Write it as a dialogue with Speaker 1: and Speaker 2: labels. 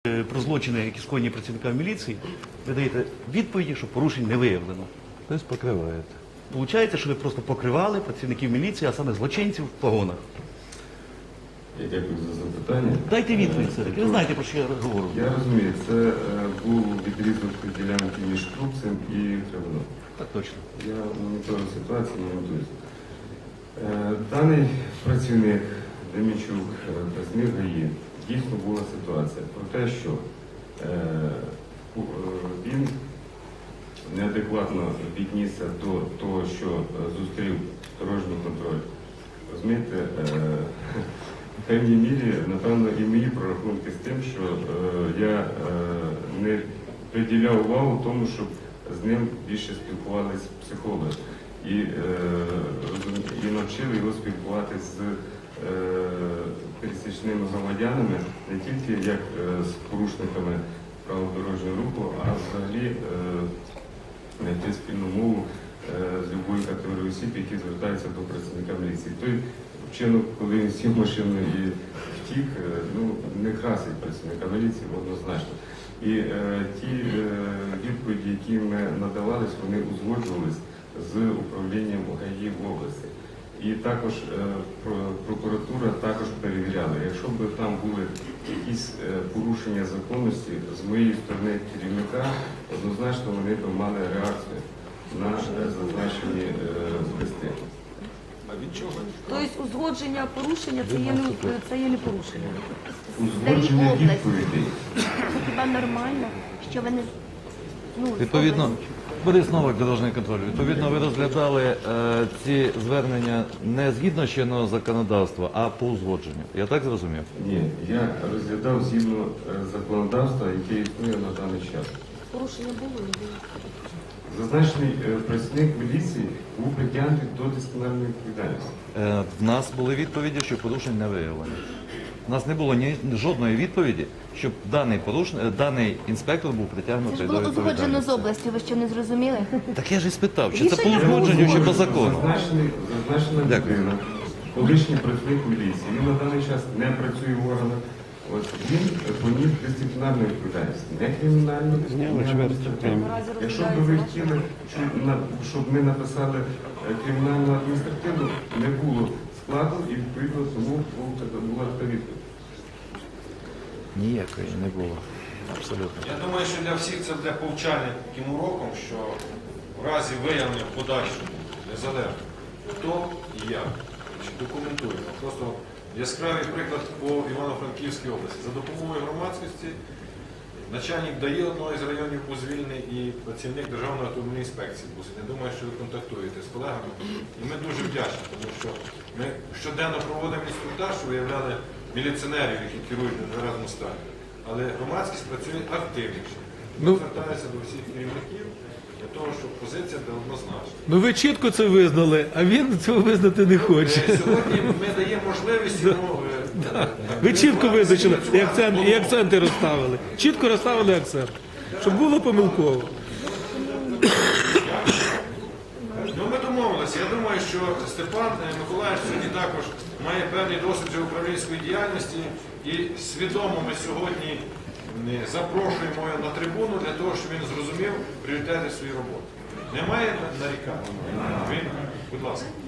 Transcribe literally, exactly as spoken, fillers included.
Speaker 1: Про злочини, які скоєні працівниками міліції, ви даєте відповіді, що порушень не виявлено.
Speaker 2: Тобто покриваєте.
Speaker 1: Получається, що ви просто покривали працівників міліції, а саме злочинців в погонах.
Speaker 3: Я дякую за запитання.
Speaker 1: Дайте відповідь все-таки. Ви знаєте, про що я говорю.
Speaker 3: Я розумію, це е, був відрізок ділянки між Крупцем і Кривоном.
Speaker 1: Так точно.
Speaker 3: Я моніторю ситуацію, не готуюся. Е, даний працівник Демічук, е, працівник ГАІ, дійсно була ситуація про те, що е, у- е, він неадекватно віднісся до того, що е, зустрів дорожній контроль. Розумієте, е, в певній мірі, напевно, і мої прорахунки з тим, що е, я е, не приділяв увагу тому, щоб з ним більше спілкувалися психологи і, е, і навчили його спілкуватися з е, пересічними громадянами не тільки як е, з порушниками правил дорожнього руху, а взагалі е, знайти спільну мову е, з любої категорії осіб, які звертаються до працівника міліції. Той вчинок, коли він сів в машину і втік, е, ну, не красить працівника міліції однозначно. І е, ті е, відповіді, які ми надавались, вони узгоджувались з управлінням ГАІ в області. І також е, про- прокуратура також перевіряла. Якщо б там були якісь е, порушення законності з моєї сторони керівника, однозначно вони б мали реакцію на е, зазначені е, листи.
Speaker 4: Тобто узгодження порушення це є не, це є не порушення.
Speaker 3: Узгодження
Speaker 4: області.
Speaker 3: відповідей.
Speaker 4: Це хіба нормально, що ви не... Ну,
Speaker 2: Відповідно,
Speaker 4: області.
Speaker 2: Борис Новак, дорожній контроль. Відповідно, ви розглядали е, ці звернення не згідно чинного законодавства, а по узгодженню. Я так зрозумів?
Speaker 3: Ні, я розглядав згідно е, законодавства, яке існує на даний час.
Speaker 4: Порушення було, не було.
Speaker 3: Зазначений е, працівник міліції був притягнутий до дисциплінарної відповідальності.
Speaker 2: Е, в нас були відповіді, що порушень не виявлено. У нас не було ні жодної відповіді, щоб даний поруш... е, даний інспектор був
Speaker 4: Це
Speaker 2: притягнутий
Speaker 4: ж
Speaker 2: до
Speaker 4: було узгоджено
Speaker 2: відповідальності.
Speaker 4: з областю, ви що не зрозуміли?
Speaker 2: Так я ж і спитав, чи це по
Speaker 4: Рішення
Speaker 2: узгодженню, чи по закону.
Speaker 3: Зазначений, зазначена
Speaker 2: Дякую.
Speaker 3: людина, колишній працівник міліції, він на даний час не працює в органах. От, він поніс дисциплінарну відповідальність, не кримінальну, не адміністративну. Якщо б ви хотіли, щоб, на- щоб ми написали е, кримінальну адміністративну, не було складу і відповідно тому був така- була така відповідь.
Speaker 2: Ніякої не було. Абсолютно.
Speaker 5: Я думаю, що для всіх це буде повчальним таким уроком, що в разі виявлення в подальшому незалежно хто і як, значить, документуємо. Просто яскравий приклад по Івано-Франківській області. За допомогою громадськості начальник ДАІ одного із районів був звільнений і працівник Державної автомобільної інспекції був. Я думаю, що ви контактуєте з колегами. І ми дуже вдячні, тому що ми щоденно проводимо інструктаж, що виявляли міліціонерів, які керують на неразну стані. Але громадськість працює активніше. Ми звертаємося до всіх керівників для того, щоб позиція була однозначна.
Speaker 6: Ну ви чітко це визнали, а він цього визнати не хоче.
Speaker 5: Е, Сьогодні ми даємо можливість йому... е,
Speaker 6: Ви чітко визначили і,
Speaker 5: працювати
Speaker 6: акцент, і
Speaker 5: головою.
Speaker 6: акценти розставили. Чітко розставили акцент, щоб було помилково.
Speaker 5: Ну, ми домовилися. Я думаю, що Степан е, Миколаївич сьогодні також має певний досвід вже управлінської діяльності і свідомо ми сьогодні е, запрошуємо його на трибуну для того, щоб він зрозумів пріоритети своєї роботи. Немає нарікань? Він, будь ласка.